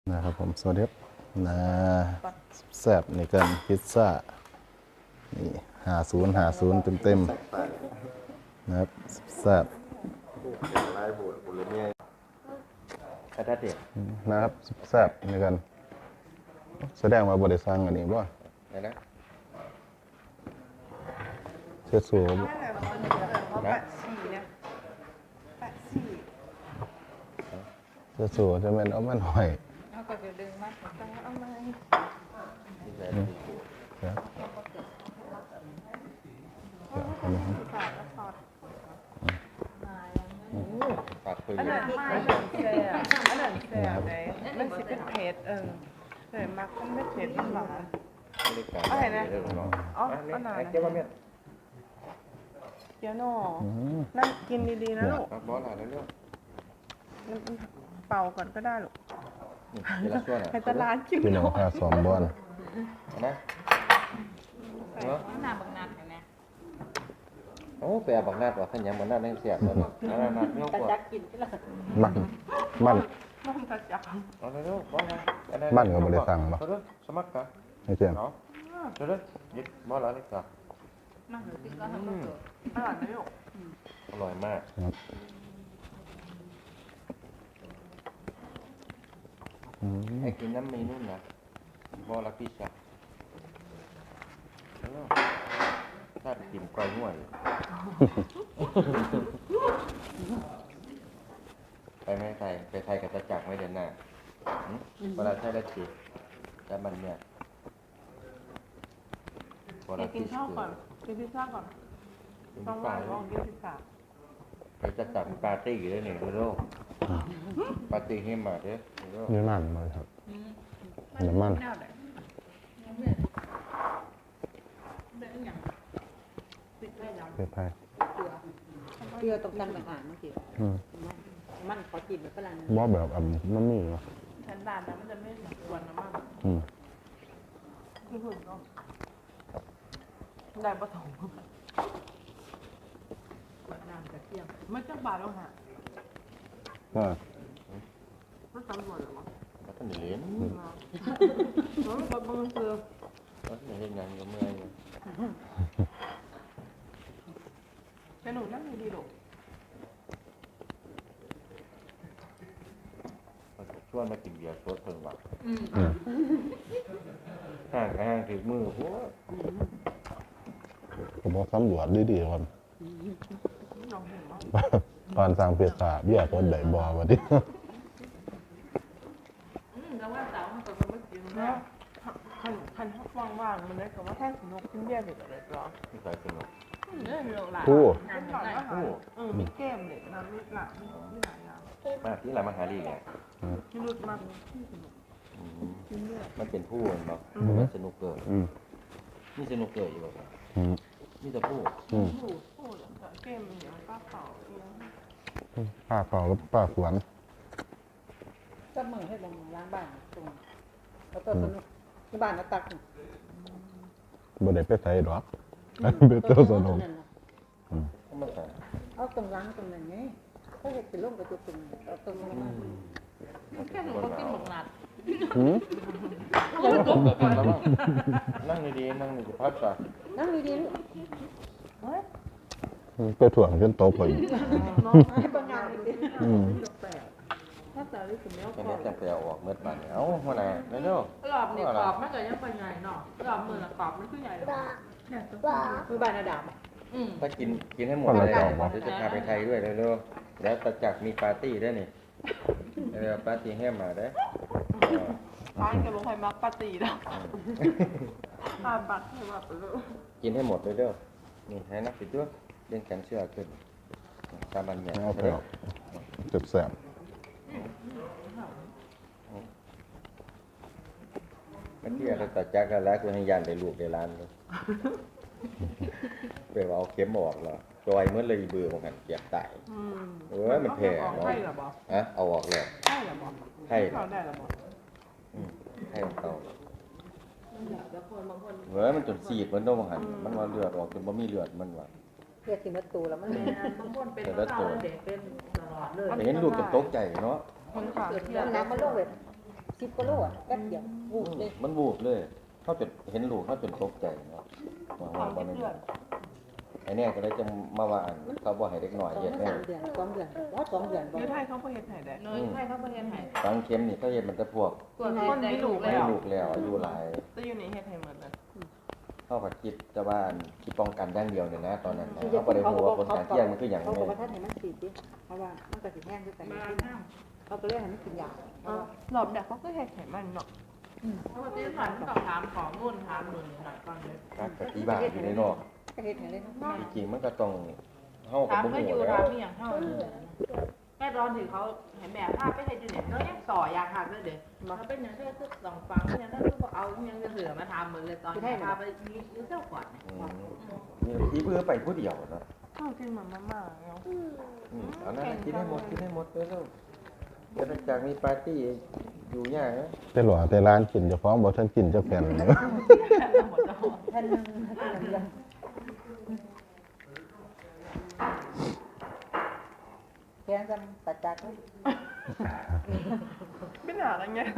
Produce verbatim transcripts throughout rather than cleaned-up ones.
นะครับผมสวัสดีครับนะแซ่บนี่กันพิซซ่านี่หาศูนย์หาศูนย์เต็มเต็มๆนะครับแซ่บลายบูดบุรุษเนี่ยกระดาษเด็ดนะครับแซ่บนี่กันแสดงว่าบริษัทอันนี้บ่ไหนนะเชื่อสูบแปะสี่นะแปะสี่เชื่อสูจะเป็นเอามันหอยเอาก็จะดึงมาต้องเอามาที่ใส่ครับเดี๋ยวเอามาให้ฝาดแล้วฝาดปากปืนอันนั้นอันนั้นแซ่บอันนั้นแซ่บเลยมันสิเป็นเผ็ดเออแต่มักมันไม่เผ็ดมันหวานไม่ได้การเรื่องน้องอ๋ออันนั้นเจ้าว่าเมียเดี๋ยวหนอนั่นกินดีๆนะลูกบอสอะไรเรื่องเป่าก่อนก็ได้ลูกเวลาช่วยให้ตลาดกินพี่น้องพาสอมบอลนะเนาะหน้าบังนัดเห็นไหมโอ้แปลบักนาดว่าขันยังบักนาดนั่งเสียบแล้วเนี่ยนาดนาดเงี้ยกว่าจักกินที่ละบ้านบ้านมันกระจับเอาเลยลูกบอสนะสมัครกันให้เจียมเนาะเดี๋ยวยึดบอสแล้วนี่ก็มาหรือที่ก็ทำก็เกิดอร่อยไหมลูกอร่อยมากครับอืมให้กินน้ำมีนุ่นนะบอสละพิซซ่าถ้ากินไก่ห่วยไปไม่ไทยไปไทยกับตะจักไม่เดินหน้าเวลาใช้แล้วจีแต่มันเนี่ยกินข้าวก่อนกินพิซซ่าก่อนต้องวางลองกินพิซซ่าไปจะจัดปาร์ตี้อยู่ด้วยนี่ดูโลกปาร์ตี้ให้มาเด้อดูโลกนี่มันมาครับน้ำมันแนวไหนเนี่ยเป็นอย่างปิดไว้แล้วเผ็ดไทยเกลือตกกันต่างหากเมื่อกี้อืมมันขอกินแบบฝรั่งบ่แบบอันน้ำมีเนาะฉันด่านนะมันจะไม่เหมือนกวนน้ำมันอืมคือหุ่นก็ได้ปฐมกวนน้ำกระเทียมไม่จังบาทแล้วฮะก็มันตำรวจหรอวะแล้วก็เหรียญเออแบบมึงคือแล้วก็เห็นงานก็เมื่อยเลยแต่หนูนั่งดีๆลูกชวนมากินเบียร์สดเพิ่งว่าอืมอืมห่างห่างถือมือโอ้ผมบอกตำรวจดีๆก่อนลองเห็นว่าตอนสั่งพิซซ่าเบี้ยคนใดบอมาดิอืมแล้วว่าสาวมันก็ไม่กินแล้แล้ว วคันคันทักว่างๆมันได้กับว่าแท่งนกขึ้นเบี้ยเสร็จเลยหรอที่ใส่สนุกเนี่ยมีหลายกู้เป็นหน่อยอาหารเออมีเกมเด็กนะมีหลายมีหลายอย่างมาที่ไรมาหาดีเนี่ยที่รุดมันที่สนุกกินเบี้ยมันเป็นผู้มันบอกมันสนุกเกิดอืมนี่สนุกเกิดอยู่แบบอืมนี่จะพูดอืมผู้ผู้เกมเหนียวป้าเผาเองป้าเผากับป้าสวนก็มึงให้ลงล้างบ้านตรงแล้วก็สนุกที่บ้านก็ตักบ่ได้ไปใส่ดอกเป็นตัวสนุกก็มาใส่เอาตรงล้างตรงนั้นไงก็เห็ดเป็นร่มกระจุกตรงเอาตรงนี้มาแค่หนูก็กินหมกนัดอืมนั่งดีๆนั่งดีๆพักก่อนนั่งดีๆลูกไปถ่วงจนโตไปน้องให้ปัญญาดีอืมแปลกถ้าแต่ลิขิตแล้วตอนก็นี้จะไปเอาออกเมื่อปันเนี่ยเอ้าหัวหน้าเร็วรอบนี่กรอบมันก็ยังเป็นไงเนาะรอบมือละกรอบมันคือใหญ่เลยเนี่ยตัวๆคือบ้านอาดามอืมถ้ากินกินให้หมดเลยเดี๋ยวจะพาไปไทยด้วยเร็วๆแล้วตะจักมีปาร์ตี้ด้วยนี่เร็วปาร์ตี้ให้มาได้ร้านกับโรงไฟมักปาตีแล้วอาบัตรให้ว่าไปเลยกินให้หมดเลยเด้อนี่ให้นักปิดด้วยเล่นแขนเสื้อขึ้นตามบันเนี่ยเอาไปเอาเจ็บแสบเมื่อกี้เราตัดจักรแล้วคือให้ยันได้ลูกได้ล้านเลยเปว่าเอาเข็มออกเหรอจอยเมื่อเลยเบื่อของกันเกียบตายอืมเออมันแผ่เนาะใช่หรอบอกฮะเอาออกเลยใช่หรอบอกให้เขาได้หรอบอกอืมให้ของเขาแล้วคนบางคนเฮ้ยมันจนสีดมันต้องหันมันว่าเลือดออกจนบ่มีเลือดมันว่าเพื่อกินวัตถุแล้วมันบางคนเป็นเด็กเป็นตลอดเลยแต่เห็นลูกจะตกใจเนาะคนขาเกิดเทีที่ยมน้ำมันลงแบบสิบกิโลอ่ะแป๊บเดียววูบเลยมันบูบเลยเขาจนเห็นลูกเขาจนตกใจเนาะว่าว่าบ่แม่นไอ้เนี่ยก็เลยจะมาว่าอันเขาบ่ให้เด็กน้อยสองเฮ็ดสาแน่มเดือนสองเดือนว่าสองเดือนบ่อยู่ไทยเขาบ่เฮ็ดให้ได้เนยให้เขาไปเรียนให้ฟังเข็มนี่เขาเฮ็ดมันแต่พวกคนมีลูกให้แล้วลูกแล้วอายุหลายแต่อยู่นี่เฮ็ดให้หมดเลยเขาก็คิดแต่ว่าอันคิดป้องกันอย่างเดียวเนี่ยนะตอนนั้นนะเขาบ่ได้รู้ว่าผลข้างเคียงมันคือหยังเขาแน่บอกว่าท่านให้มันฉีดดิเพราะว่ามันก็สิแห้งด้วยกันเขาก็เลยให้มันกินยาอ๋อรอบแรกเขาก็เฮ็ดให้มันเนาะเพราะว่าที่ผ่านต้องถามของนู่นถามนู่นหน่อยก่อนเลยครับปฏิบัติอยู่ในนอกก็เฮ็ดให้เลยเนาะจริงๆมันก็ต้องเฮาก็ถามบ่ก็ฮู้อยู่แล้ถาว มอย่างเท่าแม่ตอนถึงเขาเห็นแม่ภาพไปให้ดูเนี่ยเขายังต่อยากหักเลยเด็กเขาเป็นอย่างที่คือสองฟังอย่างนั้นคือเอายังจะเหลือมาทำเหมือนเลยตอนพาไปมีเจ้าก่อนอืมนี่อีเพื่อไปผู้เดียวเนาะข้าวกินเหมือนมาม่าเนาะอืมเอานะกินให้หมดกินให้หมดเลยลูกเดี๋ยวหลังจากมีปาร์ตี้อยู่ยากนะแต่หลอแต่ร้านกินเจ้าของบ่ทันกินจักแผ่นอยู่ท่านนึงท่านนึงแกงกันตัดจากเลยไม่น่าอะไรเงี้ย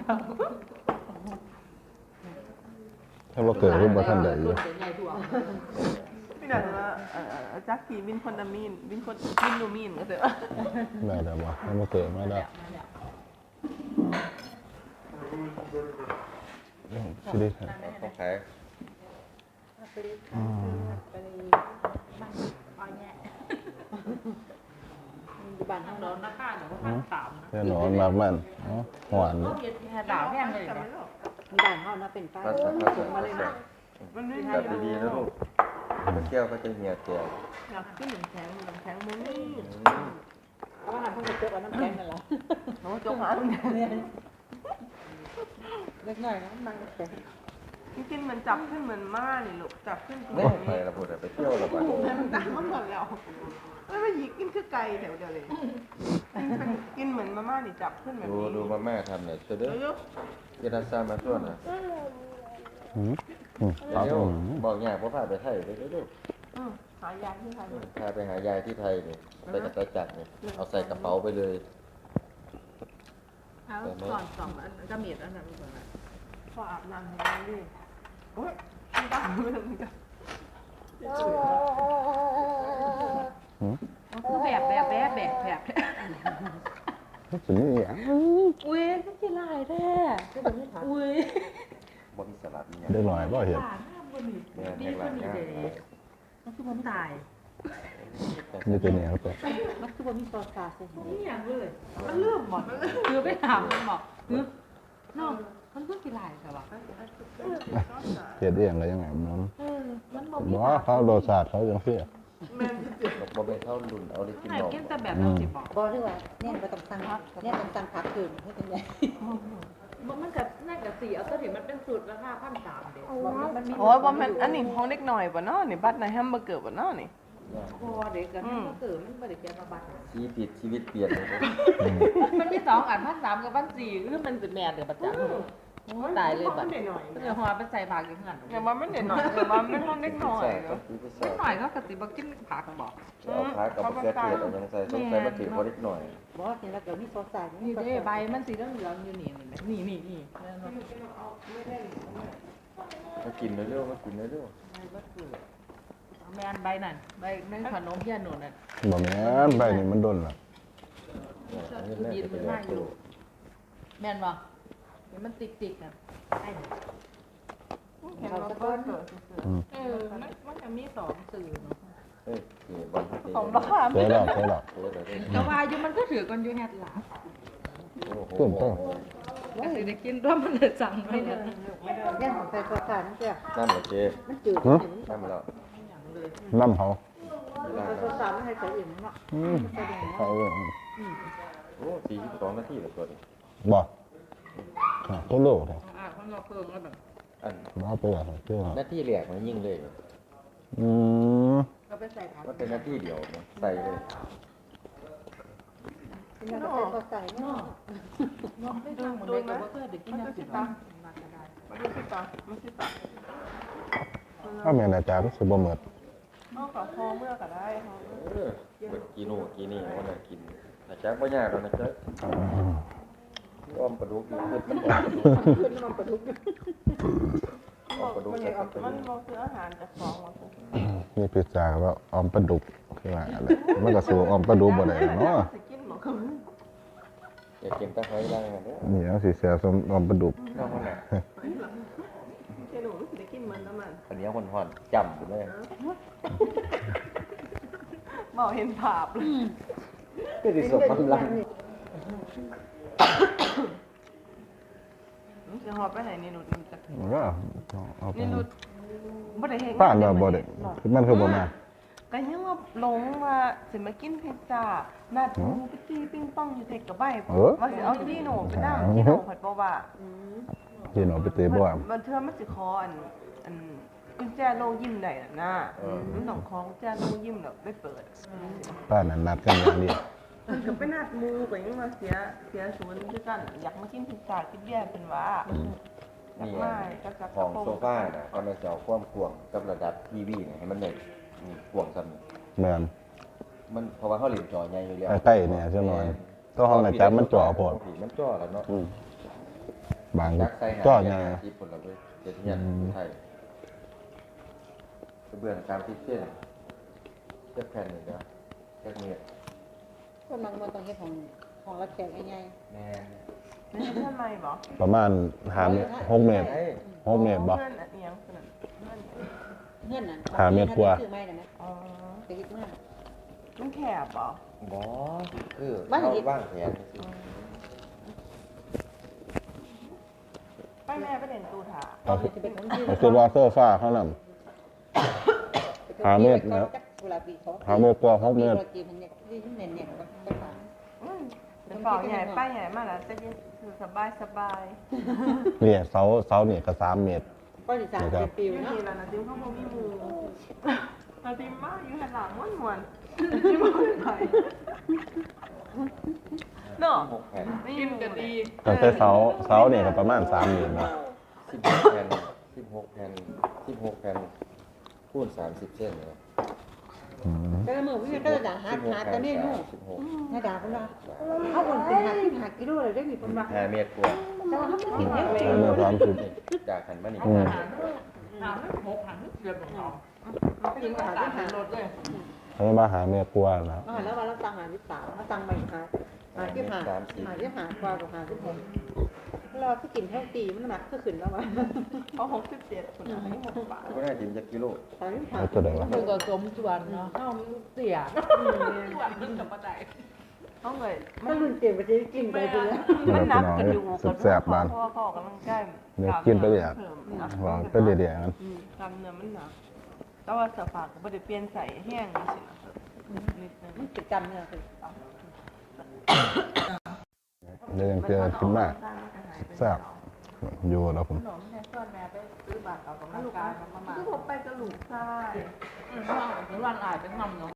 ถ้าบ่เกิดรูปบ่ทันได้อยู่ใหญ่ถั่วไม่น่าว่าเอ่อจักกี้วินคนนามีนวินคนวินโนมีนก็เถอะได้แล้วบ่ถ้าบ่เกิดมาแล้วสิได้ครับเขาขายไปเลยไปเลยมันอ้อยแง่อยู่บ้านทาเฮางโดนนะคะเดี๋ยวก็ทางสามนะแต่หนอนมากมันเนาะหวานเขาเนาะเย็นแค่ดาวแห้งเลยแต่ไม่นะหรอกอยู่บ้านเฮานะเป็นป้าภาษาภาสูษางมาเลยภาษานะมันไม่จับดีๆนะลูกไปเที่ยวก็จะเหี่ยวเตียวอยากกินหนึ่งแข็งหนึ่งแข็งมือนี่เพราะว่าหันเพิ่งจะเจอกับน้ำแข็งนั่นแหละโอ้จงหันเล็กน้อยนะมันแข็งกินเหมือนจับขึ้นเหมือนม่านี่ลูกจับขึ้นกินไม่อย่างไปนี้ละพูดไปเที่ยวละบ้านมันตามมาหมดแล้วไม่มาหยิกกินคือไก่แถวเดียวเลยกินเหมือนมาม่านี่จับขึ้นแบบดูนี้ดูมาม่าทำเนี่ยเด้อเยอะเยนาซามาตัวน่ะหืมอืมครับเดี๋ยวอืมบอกยากว่าพาไปไทยเด้อเด้ออืมหายาที่ไทยพาไปหายายที่ไทยนี่ไปกับตาจักรนี่เอาใส่กระเป๋าไปเลยแล้วก่อนสองอันก็มีอันนั้นก่อนพออาบน้ำให้ได้ดิโอ้ยไม่ได้ไม่ได้ไม่ได้หืมคือแบบแบบแบบแบบแบบสิมีหยังอุ้ยก็กี่ลายแท้คือแบบนี้ถามอุ้ยบ่มีสลัดนี่ยังได้หน่อยบ่เห็นหลานหน้าบนนี่เนี่ยดีแหกหคลันงนี้นะเลยมันคือมันตายนี่ตัวนี้ครับตัวมันคือว่ามีซอสซาใส่มันไม่อย่างเลยมันเลื่อมหมดคือไปถามมันบอกคือน้องมันเพิ่งกี่ลายแต่ว่าเฮ็ดเองก็ยังไงมันเออมันบอกบ่เขารสชาติเขาจังซี่แม่นสิบ่เป็นเท่ารุ่นเอาเลยกินไหนนมกินแต่แบบเราจิบอกบอกที่ว่าเนี่ยไปต้องสั่งเนี่ยต้องสั่งผักคืนให้เป็นไงมันกับน่ากับสีเอาตัวที่มันเป็นสูตรราคาพันสามเด็กมันมีโอ้ยว่ามันอันนี้ห้องเล็กหน่อยป่ะเนาะนี่บัตรในแฮมเบอร์เกอร์ป่ะเนาะนี่พอเด็กกันมันเกิดมันบริเกียมาบัตรชีวิตชีวิตเปลี่ยนเลยอืมมันมีสองอันพันสามกับพันสี่คือมันเป็นแมนเดือประจันตายเลยบัตรเด็กหน่อยเดี๋ยวหัวไปใส่ผักอย่างนั้นอย่าว่ามันเด็กหน่อยอย่าว่ามันห้องเล็กหน่อยใช่เนาะที่พิเศไม่ษหน่อยก็กติบอกกินผักบอกเอาพากับเกลือเทียมเอายังใส่สงสัยมาถือพอเล็กหน่อยบอกกินแล้วเดี๋ยวมีซอสใส่นี่เด้ใบมันสีเหลืองๆอยู่นี่นี่นี่นี่มากินเร็วๆมากินเร็วแมนใบนั่นใบนั่นขนมเพี้ยนหนูนั่นบ่แม่นใบนี่มันดนล่ะๆเอาเงินแรกจะไปแลกตู้แมนบอกเห็นมันติดติดกันไอ้เห็นว่าเปิดเกิดอืมเออมันมันจะมีสองสื่อเฮ้ยนี่บอลที่ตีของบ้าเคยดอกเคยดอกเออเดี๋ยวเดี๋ยวแต่ว่าอยู่มันก็ถือกันอยู่แฮดหลาโอ้โหต้นต้นก็สิได้กินด้วยมันเลยสั่งไปเลยเนี่ยของใส่ซอสใส่นั่นเจ้าน้ำเหรอเจ๊มันจืดน้ำแล้วอย่างเลยน้ำเขาเวลาซอสใส่ไม่ให้ใส่อื่นเนาะอืมเขาเอิ้นโอ้สี่สิบสองนาทีแล้วตัวนี้บ่อ่ะตัวโลเด้ออ่าคนเราเพิ่มแล้วแบบอันบ่ไปอ่ะเจ้าหน้าที่แรกมันยิ่งเลยอืมก็ไปใส่ผักมันเป็นหน้าที่เดียวนะใส่เลยกินแล้วก็ใส่ซอสใส่เนาะน้องไม่ทำเหมือนเด็กก็เพื่อเด็กกินยาสีฟันมาก็ได้มาดูสิตามาสิตาถ้าแม่นอาจารย์สิบ่หมดนอกจากพอเมื่อก็ได้ค่ะเออเบิดกินโน่นกินนี่วันน่ะกินอาจารย์บ่ยากหรอกนะเจ๊อืมอ้อมปลาดุกอยู่เพิ่นมันออกปลาดุกขึ้นมาประดุกออกปลาดุกมันใส่เอาปลามันดุกบ่คืออาหารจากของว่าซั่นมีพิซซ่ากับว่าออมปลาดุกคือว่าอะไรมันก็สู้ออมปลาดุกบ่ได้เนาะสิกินบ่คืออย่ากินตะไคร้ได้กันเด้อนี่เอาสิแซ่บสมออมปลาดุกน้องคนน่ะแค่หนูสิได้กินมันน้ำมันอันนี้คนห่อนจำอยู่เลยบ่เห็นภาพเลยก็สิสมมันลังมันสิฮอดไปไหนนี่หนูมันจะก็เอาไปนี่หนูบ่ได้เฮ็ดป้านว่าบ่ได้คือมันคือบ่มาก็ยังว่าหลงว่าสิมากินพิซซ่านัดหมูไปตีปิงปองอยู่เทคกับใบเออว่าสิเอาที่หนูไปนั่งที่หนูผัดบ่ว่าที่หนูไปเตะบ่ว่ามันเทื่อมันสิคออันอันกุญแจโลงยิ้มได้น่ะนะมันต้องคล้องกุญแจโลงยิ้มแล้วไปเปิดป้านนั้นนัดกันอย่างนี้มันก็ไปนัดหมูก็ยังว่าเสียเสียศูนย์คือกันอยากมากินพิซซ่ากินเบียร์เป็นว่าอยากนี่มาก็จักของโซฟาน่ะก็มาเจาะความกว้างกับระดับทีวีเนี่ยให้มันได้นี่กว้างซ้ำนี่แม่นมันเพราะว่าเขาเล่นจอใหญ่อยู่แล้วใกล้ๆเนี่ยใช่ไหมตัวห้องอาจารย์มันจ่อโพดมันจ่อแล้วเนาะอืมบางยักษ์ใส่หาจ่อเทีใหญ่ยนที่ผลละเว้ยเจ็ดเทียนไทยกระเบื้องตามที่เส้นเทียบแผ่นนี่นะแค่เมียคนบางคนต้องเฮ็ดของของรับแขกง่ายแม่ไม่ใช่เพื่อนใหม่บ่ประมาณหาเมตรหกเมตรไอ้หกเมตรบ่เพื่อนอันเอียงเพื่อนเพื่อนๆเงื่อนนั้นหาเม็ดกว่าซื้อไม่นะอ๋อไปคิดมากมันแคบบ่บอคือบ้านเขาเห็ดว่างแผนไปแม่ไปเล่นตูถาเอาคือจะเป็นของยืนเอาคือว่าโซฟาเขานำ หาเม็ดนะเวลาปีเขาหาเมตรกว่าหกเมตรวลาปีมันเนี่ยที่เน่นเนี่ยก็ฝาอืมเดี๋ยวเป่าใหญ่ป้ายใหญ่มากแล้วจะยืนคือสบายสบายเนี่ยเสาเสาเนี่ยก็สามเมตรก็สิสามเป็นปีอยู่เนาะทีละนาทีเขาบอกมีหมูนาทีมากอยู่หันหลังม้วนม้วนที่มันไหนเนาะหกแผ่นไม่ยิ้มกันดีตั้งแต่เสาเสาเนี่ยก็ประมาณสามเมตรเนาะสิบหกแผ่นสิบหกแผ่นสิบหกแผ่นคูณสามสิบเส้นเลยอืมแต่ละมือพี่ก็จะด่าหาสิบหกหาแผ่แต่นเนี่ยนู่นสิบหกน่าด่าคนละเขาคนเป็นหาที่หากิโลเลยได้มีคนมาห้าเมตรกว่าแต่ว่าเขาไม่กินเนี่ยสามเมตรสามสิบจากหันมานี่อืมถามไม่หกถามไม่เกือบของเรากินก็หาตาที่มหารถเลยเขาจะมาหาเมตรกว่าแล้วมาแล้วมาแล้วตังหาที่สามมาตังใหม่หาหาที่หาหาที่หากว่ากับหาที่ผมเราที่กินเท่าตีมันหนักก็ขึ้นแล้ววะเขาหกสิบเจ็ดคนอันนี้หกบาทก็ได้จิ้มจากกิโลตอนนี้หาแล้วตัวไหนวะมันก็สมส่วนเนาะเข้าเสียส่วนมันกับปัจจัยเขาเลยถ้ารุ่นเตียงไปจะกินไปเลยมันนับกันอยู่กับแซ่บๆบ้านพ่อพ่อกำลังใกล้เดี๋ยวกินไปเรื่อยว่าไปเรื่อยๆกันกำเนื้อมันหนักแต่ว่าสฝากก็ไม่ได้เปลี่ยนใส่แห้งนี่สินะนิดนึงมันกิจกรรมเนี่ยคือเรื่องเจอขึ้นมากแซ่บอยู่แล้วผมขนมแค่ส่วนแม่ไปซื้อบัตรออกกำลังกายมาประมาณคือผมไปกระหลุกใช่อืมถึงวันอ่านเป็นคำเนาะ